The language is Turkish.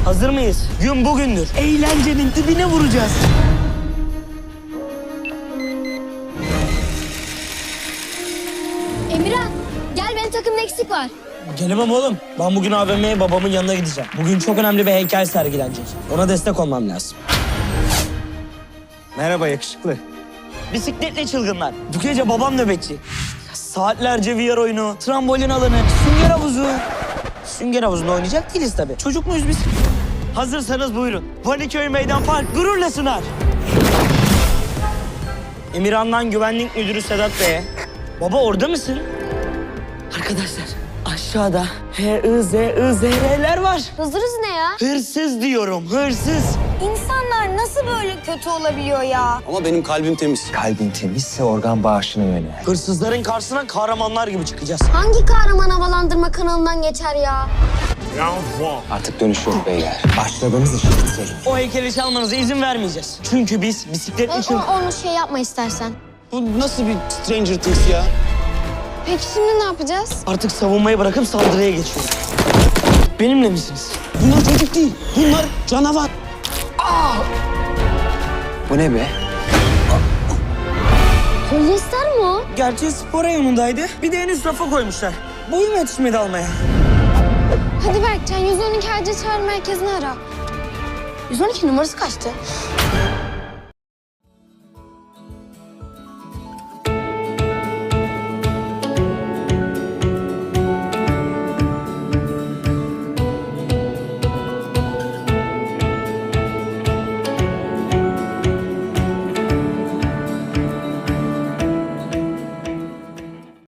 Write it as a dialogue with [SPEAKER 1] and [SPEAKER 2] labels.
[SPEAKER 1] Hazır mıyız? Gün bugündür. Eğlencenin dibine vuracağız.
[SPEAKER 2] Emirhan, gel benim takımda eksik var.
[SPEAKER 1] Gelemem oğlum. Ben bugün AVM'ye babamın yanına gideceğim. Bugün çok önemli bir heykel sergilenecek. Ona destek olmam lazım.
[SPEAKER 3] Merhaba yakışıklı.
[SPEAKER 1] Bisikletli çılgınlar. Bu gece babam nöbetçi. Saatlerce VR oyunu, trambolin alanı, sünger havuzu. Sünger havuzunda oynayacak değiliz tabii. Çocuk muyuz biz? Hazırsanız buyurun. Vaniköy Meydan Park gururla sunar. Emirhan'dan güvenlik müdürü Sedat Bey'e. Baba orada mısın? Arkadaşlar aşağıda HIZIZR'ler var.
[SPEAKER 2] Hızırız ne ya?
[SPEAKER 1] Hırsız diyorum, hırsız.
[SPEAKER 2] İnsanlar nasıl böyle kötü olabiliyor ya?
[SPEAKER 4] Ama benim kalbim temiz.
[SPEAKER 3] Kalbin temizse organ bağışına yönel.
[SPEAKER 1] Hırsızların karşısına kahramanlar gibi çıkacağız.
[SPEAKER 2] Hangi kahraman havalandırma kanalından geçer ya?
[SPEAKER 3] Artık dönüş yok beyler. Başladığımız işi bitirelim.
[SPEAKER 1] O heykeli çalmanıza izin vermeyeceğiz. Çünkü biz bisikletli çılgın...
[SPEAKER 2] Onu şey yapma istersen.
[SPEAKER 4] Bu nasıl bir Stranger Things ya?
[SPEAKER 2] Peki şimdi ne yapacağız?
[SPEAKER 1] Artık savunmayı bırakıp saldırıya geçiyoruz. Benimle misiniz?
[SPEAKER 4] Bunlar çocuk değil. Bunlar canavar.
[SPEAKER 3] Bu ne be?
[SPEAKER 2] Polyester mi o?
[SPEAKER 1] Gerçi spor reyonundaydı. Bir de en üst rafa koymuşlar. Boyum yetişmedi almaya.
[SPEAKER 2] Hadi Berkcan 112 acil çağrı merkezini ara. 112 numarası kaçtı?